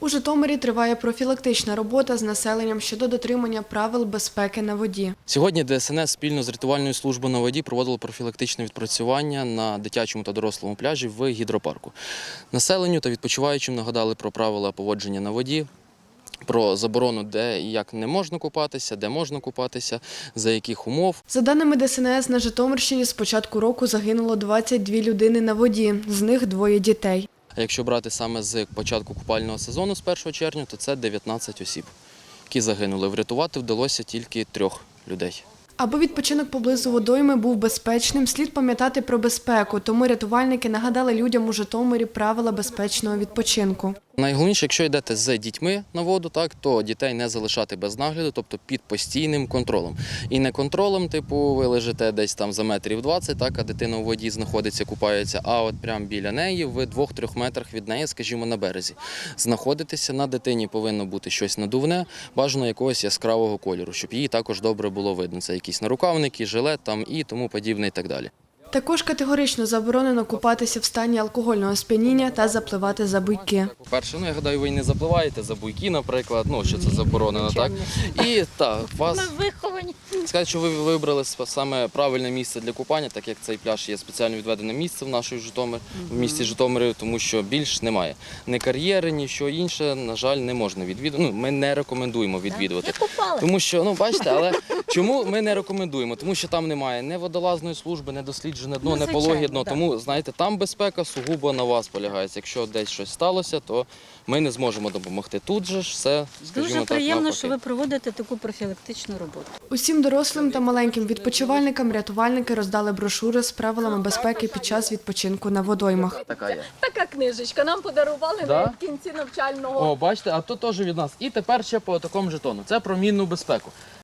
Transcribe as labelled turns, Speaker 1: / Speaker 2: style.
Speaker 1: У Житомирі триває профілактична робота з населенням щодо дотримання правил безпеки на воді.
Speaker 2: Сьогодні ДСНС спільно з рятувальною службою на воді проводило профілактичне відпрацювання на дитячому та дорослому пляжі в гідропарку. Населенню та відпочиваючим нагадали про правила поводження на воді, про заборону, де і як не можна купатися, де можна купатися, за яких умов.
Speaker 1: За даними ДСНС, на Житомирщині з початку року загинуло 22 людини на воді, з них 2 дітей.
Speaker 2: А якщо брати саме з початку купального сезону з 1 червня, то це 19 осіб, які загинули. Врятувати вдалося тільки 3 людей.
Speaker 1: Аби відпочинок поблизу водойми був безпечним, слід пам'ятати про безпеку, тому рятувальники нагадали людям у Житомирі правила безпечного відпочинку.
Speaker 2: Найголовніше, якщо йдете з дітьми на воду, то дітей не залишати без нагляду, тобто під постійним контролем. І не контролем, типу ви лежите десь там за метрів 20, а дитина у воді знаходиться, купається, а от прямо біля неї, в 2-3 метрах від неї, скажімо, на березі. Знаходитися, на дитині повинно бути щось надувне, бажано якогось яскравого кольору, щоб її також добре було видно. Це якісь нарукавники, жилет там і тому подібне і так далі.
Speaker 1: Також категорично заборонено купатися в стані алкогольного сп'яніння та запливати за буйки.
Speaker 2: По-перше, я гадаю, ви не запливаєте за буйки, наприклад, що це заборонено, так? І вас
Speaker 3: Виховані.
Speaker 2: сказати, що ви вибрали саме правильне місце для купання, так як цей пляж є спеціально відведене місце в місті Житомирі, тому що більш немає. Ні кар'єри, ні що інше, на жаль, не можна відвідувати. Ми не рекомендуємо відвідувати. Тому що, бачите, але чому ми не рекомендуємо? Тому що там немає ні водолазної служби, ні досліджене дно, ні пологе дно. Тому, знаєте, там безпека сугубо на вас полягається. Якщо десь щось сталося, то ми не зможемо допомогти. Тут же ж все, скажімо
Speaker 3: Дуже
Speaker 2: так,
Speaker 3: приємно,
Speaker 2: навпаки.
Speaker 3: що ви проводите таку профілактичну роботу.
Speaker 1: Усім дорослим та маленьким відпочивальникам рятувальники роздали брошури з правилами безпеки під час відпочинку на водоймах.
Speaker 2: Така є.
Speaker 4: Така книжечка нам подарували
Speaker 2: Да?
Speaker 4: в кінці навчального.
Speaker 2: О, бачите, а тут теж від нас. І тепер ще по такому жетону. Це про мінну безпеку.